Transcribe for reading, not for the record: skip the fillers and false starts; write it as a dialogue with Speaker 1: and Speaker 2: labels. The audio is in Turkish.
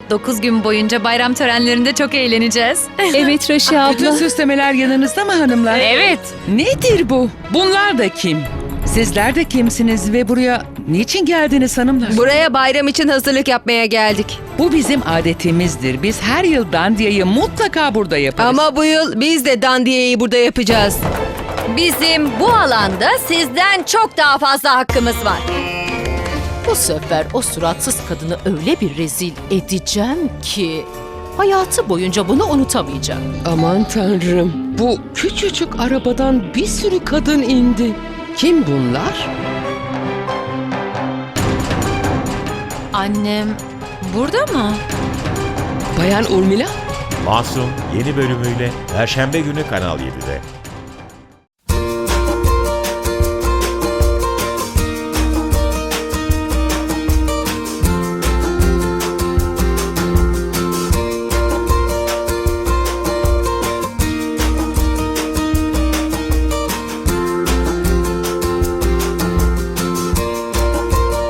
Speaker 1: 9 gün boyunca bayram törenlerinde çok eğleneceğiz.
Speaker 2: Evet Raşi
Speaker 3: Bütün
Speaker 2: abla.
Speaker 3: süslemeler yanınızda mı hanımlar?
Speaker 1: Evet.
Speaker 3: Nedir bu? Bunlar da kim? Sizler de kimsiniz ve buraya niçin geldiniz hanımlar?
Speaker 4: Buraya bayram için hazırlık yapmaya geldik.
Speaker 3: Bu bizim adetimizdir. Biz her yıl dandiyayı mutlaka burada yaparız.
Speaker 4: Ama bu yıl biz de dandiyeyi burada yapacağız.
Speaker 5: Bizim bu alanda sizden çok daha fazla hakkımız var.
Speaker 2: Bu sefer o suratsız kadını öyle bir rezil edeceğim ki hayatı boyunca bunu unutamayacak.
Speaker 6: Aman tanrım, bu küçücük arabadan bir sürü kadın indi. Kim bunlar?
Speaker 1: Annem burada mı?
Speaker 6: Bayan Urmila?
Speaker 7: Masum yeni bölümüyle Perşembe günü Kanal 7'de.